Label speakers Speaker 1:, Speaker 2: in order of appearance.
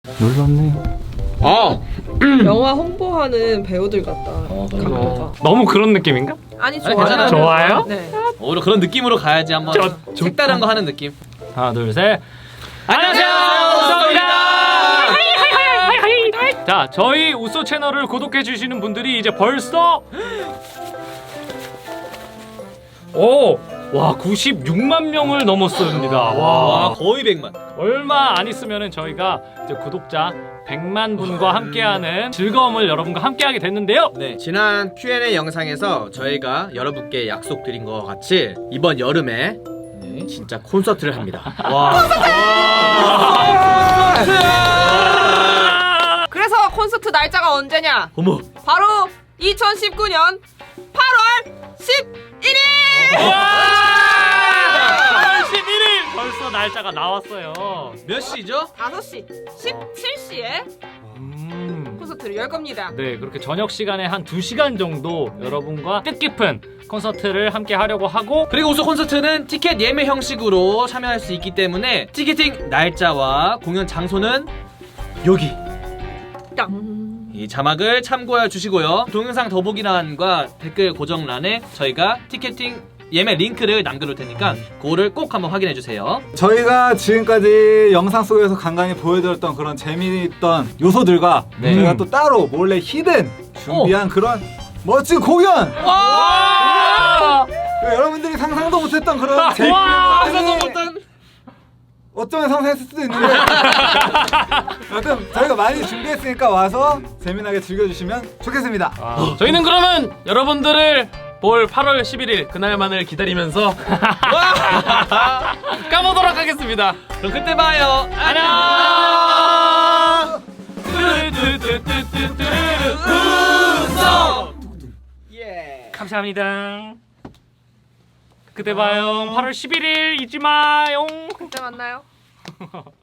Speaker 1: 놀랍네.
Speaker 2: 영화 홍보하는 배우들 같다. 각도가.
Speaker 1: 너무 그런 느낌인가?
Speaker 2: 아니
Speaker 3: 아니,
Speaker 2: 좋아요.
Speaker 3: 괜찮아요.
Speaker 1: 좋아요?
Speaker 2: 네.
Speaker 3: 오히려 그런 느낌으로 가야지 한번 색다른 거 하는 느낌.
Speaker 1: 하나 둘 셋.
Speaker 3: 안녕하세요, 우쏘입니다.
Speaker 1: 자, 저희 우쏘 채널을 구독해 주시는 분들이 이제 벌써 와 96만 명을 넘었습니다.
Speaker 3: 와, 거의 100만.
Speaker 1: 얼마 안 있으면은 저희가 이제 구독자 100만 분과 함께하는 즐거움을 여러분과 함께하게 됐는데요.
Speaker 3: 네, 지난 Q&A 영상에서 저희가 여러분께 약속드린 것 같이 이번 여름에 진짜 콘서트를 합니다.
Speaker 2: 그래서 콘서트 날짜가 언제냐?
Speaker 3: 어머.
Speaker 2: 바로 2019년 8월 11일.
Speaker 1: 8월 11일 벌써 날짜가 나왔어요.
Speaker 3: 몇 시죠?
Speaker 2: 5시 17시에 콘서트를 열 겁니다.
Speaker 1: 네, 그렇게 저녁 시간에 한 2시간 정도 여러분과 뜻깊은 콘서트를 함께 하려고 하고,
Speaker 3: 그리고 우쏘 콘서트는 티켓 예매 형식으로 참여할 수 있기 때문에 티켓팅 날짜와 공연 장소는 여기
Speaker 2: 땅.
Speaker 3: 이 자막을 참고해 주시고요. 동영상 더보기란과 댓글 고정란에 저희가 티켓팅 예매 링크를 남겨놓을 테니까 그거를 꼭 한번 확인해 주세요.
Speaker 4: 저희가 지금까지 영상 속에서 간간히 보여드렸던 그런 재미있던 요소들과 저희가 또 따로 몰래 히든 준비한 그런 멋진 공연!
Speaker 1: 와!
Speaker 4: 여러분들이 상상도 못했던 그런
Speaker 1: 와!
Speaker 4: 재미있는 공연이 어쩌면 상상했을 수도 있는데 여튼 저희가 많이 준비했으니까 와서 재미나게 즐겨주시면 좋겠습니다.
Speaker 5: 저희는 그러면 여러분들을 볼 8월 11일 그날만을 기다리면서 까보도록 하겠습니다.
Speaker 3: 그럼 그때 봐요. 안녕. 우쏘.
Speaker 1: 감사합니다. 그때 봐요. 8월 11일 잊지 마요.
Speaker 2: 그때 만나요.